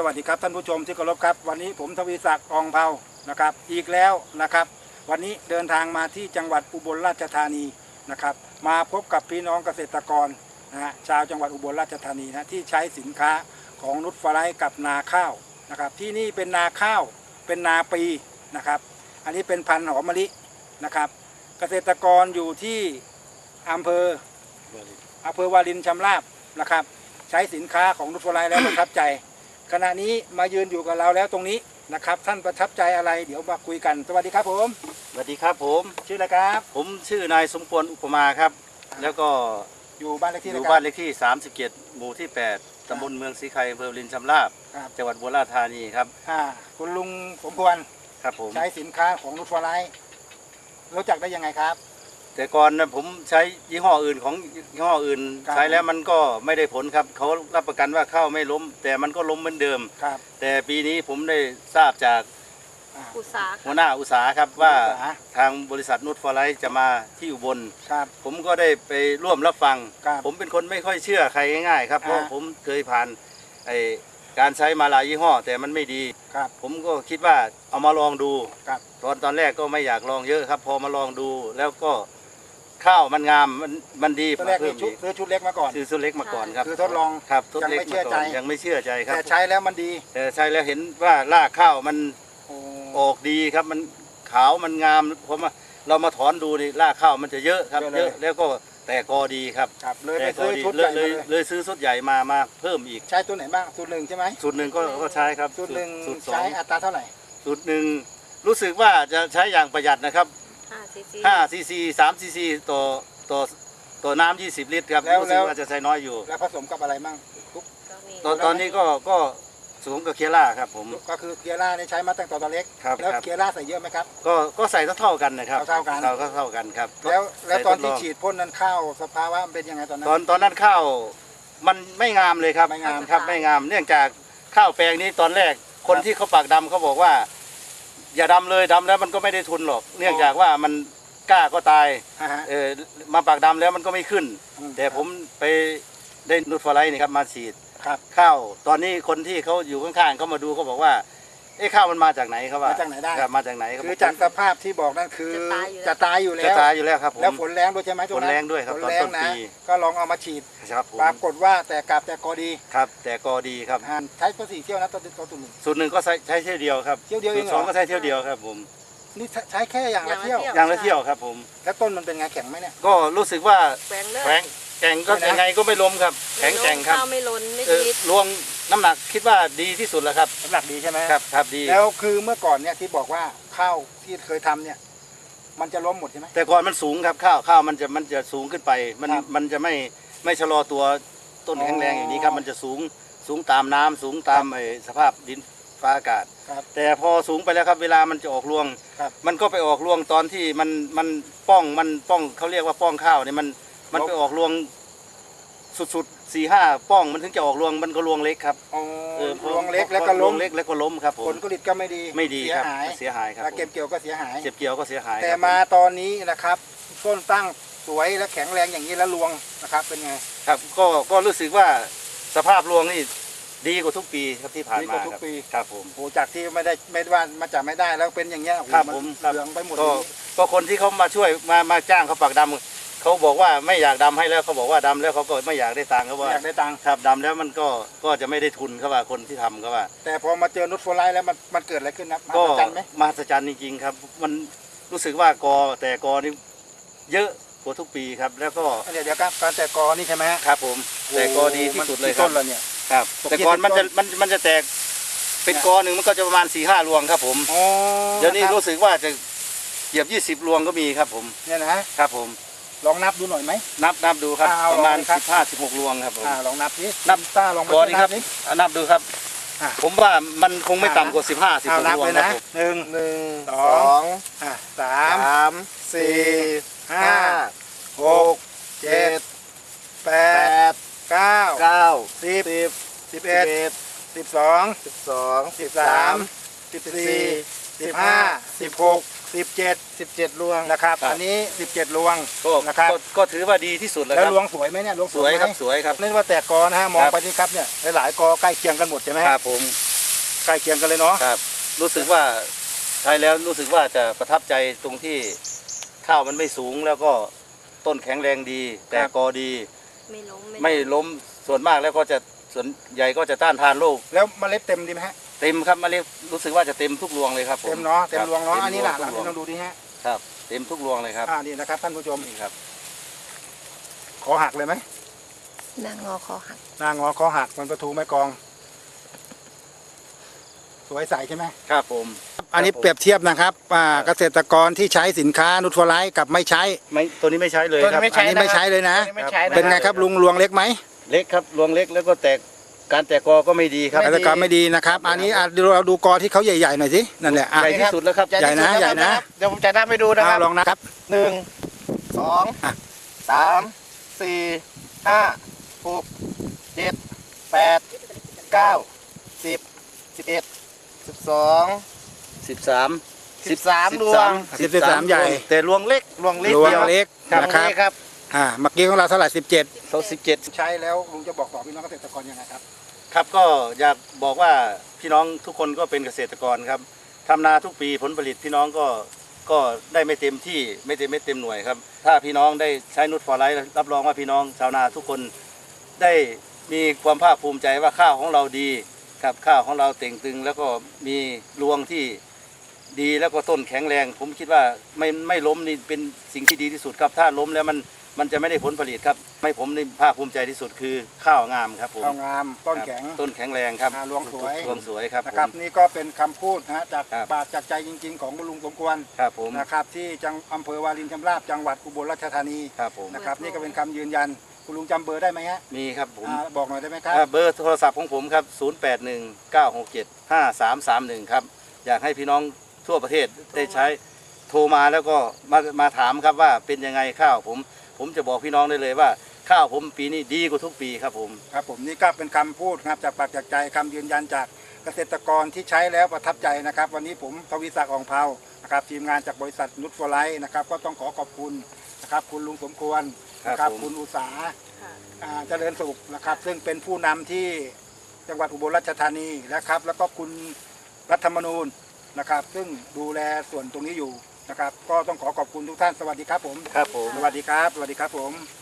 สวัสดีครับท่านผู้ชมที่เคารพครับวันนี้ผมทวีศักดิ์อองเภานะครับอีกแล้วนะครับวันนี้เดินทางมาที่จังหวัดอุบลราชธานีนะครับมาพบกับพี่น้องเกษตรกรชาวจังหวัดอุบลราชธานีนะที่ใช้สินค้าของนุชฟลายกับนาข้าวนะครับที่นี่เป็นนาข้าวเป็นนาปีนะครับอันนี้เป็นพันธุ์หอมมะลินะครับเกษตรกรอยู่ที่อำเภอวารินชำราบนะครับใช้สินค้าของนุชฟลายแล้วประทับใจขณะนี้มายืนอยู่กับเราแล้วตรงนี้นะครับท่านประทับใจอะไรเดี๋ยวมาคุยกันสวัสดีครับผมสวัสดีครับผมชื่ออะไรครับผมชื่อนายสมควรอุปมาครับแล้วก็อยู่บ้านเลขที่อยู่บ้านเลขที่37หมู่ที่8ตำบลเมืองศรีไข่อำเภอวารินชำราบจังหวัดอุบลราชธานีครับคุณลุงสมควรครับผมใช้สินค้าของนุชฟลายรู้จักได้ยังไงครับแต่ก่อนนะผมใช้ยี่ห้ออื่นของยี่ห้ออื่นใช้แล้วมันก็ไม่ได้ผลครับเขารับประกันว่าข้าวไม่ล้มแต่มันก็ล้มเหมือนเดิมแต่ปีนี้ผมได้ทราบจากหัวหน้าอุตสาหครับว่าทางบริษัทนุชฟลายจะมาที่อุบลผมก็ได้ไปร่วมรับฟังผมเป็นคนไม่ค่อยเชื่อใครง่ายๆครับเพราะผมเคยผ่านการใช้มาหลายยี่ห้อแต่มันไม่ดีผมก็คิดว่าเอามาลองดูตอนแรกก็ไม่อยากลองเยอะครับพอมาลองดูแล้วก็ข้าวมันงามมันดีตอนแรกซื้อชุดเล็กมาก่อนซื้อชุดเล็กมาก่อนครับคือทดลองครับทดเล็กมาก่อนยังไม่เชื่อใจครับแต่ใช้แล้วมันดีแต่ใช้แล้วเห็นว่ารากข้าวมันออกดีครับมันขาวมันงามเพราะว่าเรามาถอนดูนี่รากข้าวมันจะเยอะครับเยอะแล้วก็แต่กอดีครับเลยไปซื้อชุดใหญ่เลยซื้อชุดใหญ่มาเพิ่มอีกใช้ตัวไหนบ้างสูตรหนึ่งใช่ไหมสูตรหนึ่งก็ใช้ครับสูตรหนึ่งใช้อัตราเท่าไหร่สูตรหนึ่งรู้สึกว่าจะใช้อย่างประหยัดนะครับ5 ซีซี3 ซีซีต่อน้ำ20 ลิตรครับรู้สึกว่าจะใช้น้อยอยู่แล้วผสมกับอะไรบ้างตอนนี้ก็ผสมกับเคียร่าครับผมก็คือเคียร่านี่ใช้มาตั้งแต่ตอนเล็กแล้วเคียร่าใส่เยอะไหมครับก็ใส่เท่ากันนะครับเท่ากันครับแล้วตอนที่ฉีดพ่นนั้นข้าวสภาวะมันเป็นยังไงตอนนั้นตอนนั้นข้าวมันไม่งามเลยครับไม่งามครับไม่งามเนื่องจากข้าวแปลงนี้ตอนแรกคนที่เขาปากดำเขาบอกว่าอย่าดำเลยดำแล้วมันก็ไม่ได้ทุนหรอกเนื่องจากว่ามันกล้าก็ตายมาปากดำแล้วมันก็ไม่ขึ้นแต่ผมไปได้นุชฟลายนี่ครับมาฉีดข้าวตอนนี้คนที่เขาอยู่ข้างๆเขามาดูเขาบอกว่าข้าวมันมาจากไหนครับว่ามาจากไหนได้มาจากไหนครับคือจากสภาพที่บอกนั่นคือจะตายอยู่แล้วครับแล้วฝนแรงด้วยใช่ไหมฝนแรงด้วยครับตอนต้นปีก็ลองเอามาฉีดครับปรากฏว่าแต่กลับแต่กอดีครับแต่กอดีครับใช้ก็4 เที่ยวนะตัวหนึ่งสูตรหนึ่งก็ใช้เที่ยวเดียวครับเที่ยวเดียวเอง 2ก็ใช้เที่ยวเดียวครับผมนี่ใช้แค่อย่างละเที่ยวครับผมแล้วต้นมันเป็นไงแข็งไหมเนี่ยก็รู้สึกว่าแข็งก็ยังไงก็ไม่ล้มครับแข็งครับไม่ล้นไม่ดีรวงน้ำหนักคิดว่าดีที่สุดแล้วครับน้ำหนักดีใช่ไหมครับดีแล้วคือเมื่อก่อนเนี่ยที่บอกว่าข้าวที่เคยทำเนี่ยมันจะล้มหมดใช่ไหมแต่ก่อนมันสูงครับข้าวมันจะสูงขึ้นไปมันจะไม่ชะลอตัวต้นแข็งแรงอย่างนี้ครับมันจะสูงตามน้ำสูงตามสภาพดินฟ้าอากาศแต่พอสูงไปแล้วครับเวลามันจะออกรวงมันก็ไปออกรวงตอนที่มันป้องเขาเรียกว่าป้องข้าวเนี่ยมันไปออกรวงสุด4-5 ป้องมันถึงจะออกรวงมันก็รวงเล็กครับรวงเล็กแล้วก็ล้มครับผมผลผลิตก็ไม่ดีครับเสียหายครับเก็บเกี่ยวก็เสียหายแต่มาตอนนี้นะครับต้นตั้งสวยและแข็งแรงอย่างนี้แล้วรวงนะครับเป็นไงครับก็รู้สึกว่าสภาพรวงนี่ดีกว่าทุกปีครับที่ผ่านมาครับผมโอ้จากที่ไม่ว่ามาจากไม่ได้แล้วเป็นอย่างเงี้ยครับผมเหลืองไปหมดก็คนที่เขามาช่วยมาจ้างเขาปากดำเขาบอกว่าไม่อยากดำให้แล้วเขาบอกว่าดำแล้วเขาก็ไม่อยากได้ตังค์เขาว่าอยากได้ตังค์ครับดำแล้วมันก็จะไม่ได้ทุนเขาว่าคนที่ทำเขาว่าแต่พอมาเจอนุชฟลายแล้วมันเกิดอะไรขึ้นนะมหัศจรรย์ไหมมหัศจรรย์จริงๆครับมันรู้สึกว่ากอนี่เยอะกว่าทุกปีครับแล้วก็เดี๋ยวครับการแต่กอนี่ใช่ไหมครับผมแต่กอดีที่สุดเลยครับต้นละเนี่ยครับแต่ก่อนมันจะแตกเป็นกอหนึ่งมันก็จะประมาณ4-5 รวงครับผมเดี๋ยวนี้รู้สึกว่าจะเหยียบ20 รวงก็มีครับผมเนี่ยนะครับผมลองนับดูหน่อยไหมนับดูครับประมาณ15-16 รวงครับผมลองนับนี้นับต้าลองก่อนนี้ครับนับดูครับผมว่ามันคงไม่ต่ำกว่า15-16 รวงนะ 1 2 3 4 5 6 7 8 9 10 11 12 13 14 15 16 17 รวงนะครับอันนี้17 รวงนะครับก็ถือว่าดีที่สุดแล้วรวงสวยไหมเนี่ยรวงสวยครับสวยครับนี่ว่าแต่กอนะฮะมองไปนี่ครับเนี่ยหลายกอใกล้เคียงกันหมดใช่ไหมครับผมใกล้เคียงกันเลยเนาะครับรู้สึกว่าใช้แล้วรู้สึกว่าจะประทับใจตรงที่ข้าวมันไม่สูงแล้วก็ต้นแข็งแรงดี แต่กอดี ไม่ล้มส่วนมากแล้วก็จะส่วนใหญ่ก็จะต้านทานโรคแล้วเมล็ดเต็มดีไหมฮะเต็มครับเมล็ดรู้สึกว่าจะเต็มทุกรวงเลยครับผมเต็มเนาะเต็มรวงเนาะครับอันนี้หลักเต็มรวงที่ต้องดูดีฮะครับเต็มทุกรวงเลยครับนี่นะครับท่านผู้ชมนี่ครับขอหักเลยไหมนางงอคอหักนางงอขอหักมันประตูไม้กอง สวยใสใช่ไหมครับผมอันนี้เปรียบเทียบนะครับเกษตรกรที่ใช้สินค้านูตฟอร์ไลท์กับไม่ใช้ไม่ตัวนี้ไม่ใช้เลยครับอันนี้ไม่ใช้เลยนะไม่ใช้นะเป็นไงครับลุงรวงเล็กไหมเล็กครับรวงเล็กแล้วก็แตกการแตกกอก็ไม่ดีครับเกษตรกรไม่ดีนะครับ อันนี้เราดูกอที่เขาใหญ่ๆหน่อยสินั่นแหละใหญ่ที่สุดแล้วครับใหญ่นะใหญ่นะเดี๋ยวผมจะนับไปดูนะครับลองนะครับ 1 2 3 4 5 6 7 8 9 10 11 12 13 13รวง 13ใหญ่แต่รวงเล็กรวงเล็กรวงดียวเล็กครับนะครับนี่ครับเมื่อกี้ของเราเท่าไหร่17 เขา17 ใช้แล้วลุงจะบอกต่อพี่น้องเกษตรกรยังไงครับครับก็อยากบอกว่าพี่น้องทุกคนก็เป็นเกษตรกรครับทำนาทุกปีผลผลิตพี่น้องก็ได้ไม่เต็มที่ไม่เต็มหน่วยครับถ้าพี่น้องได้ใช้นูตฟอร์ไลท์รับรองว่าพี่น้องชาวนาทุกคนได้มีความภาคภูมิใจว่าข้าวของเราดีครับข้าวของเราเต่งตึง แล้วก็มีรวงที่ดีแล้วก็ต้นแข็งแรง ผมคิดว่าไม่ล้มนี่เป็นสิ่งที่ดีที่สุดครับถ้าล้มแล้วมันจะไม่ได้ผลผลิตครับไม่ผมนี่ภาคภูมิใจที่สุดคือข้าวงามครับผมข้าวงามต้นแข็งครับต้นแข็งแรงครับรวงสวยรวงสวยครับนะครับผมนี่ก็เป็นคำพูดนะฮะจากครับปากจากใจจริง ๆ ของคุณลุงสมควรครับผมนะครับที่อำเภอวารินชำราบจังหวัดอุบลราชธานีครับผมนะครับนี่ก็เป็นคำยืนยันคุณลุงจำเบอร์ได้ไหมฮะมีครับผมบอกหน่อยได้ไหมครับเบอร์โทรศัพท์ของผมครับ 0819675331 ครับอยากให้พี่น้องทั่วประเทศได้ใช้โทรมาแล้วก็มาถามครับว่าเป็นยังไงข้าวผมจะบอกพี่น้องได้เลยว่าข้าวผมปีนี้ดีกว่าทุกปีครับผมครับผมนี่ก็เป็นคำพูดนะครับจากปากจากใจคำยืนยันจากเกษตรกรที่ใช้แล้วประทับใจนะครับ วันนี้ผมทวีศักดิ์อ่องเภานะครับทีมงานจากบริษัทนุชฟอร์ไลท์นะครับก็ต้องขอบคุณนะครับคุณลุงสมควรนะครับคุณอุษาเจริญสุขนะครับซึ่งเป็นผู้นำที่จังหวัดอุบลราชธานีนะครับแล้วก็คุณรัฐธรรมนูญนะครับซึ่งดูแลส่วนตรงนี้อยู่นะครับก็ต้องขอบคุณทุกท่านสวัสดีครับผมครับผมสวัสดีครับสวัสดีครับผม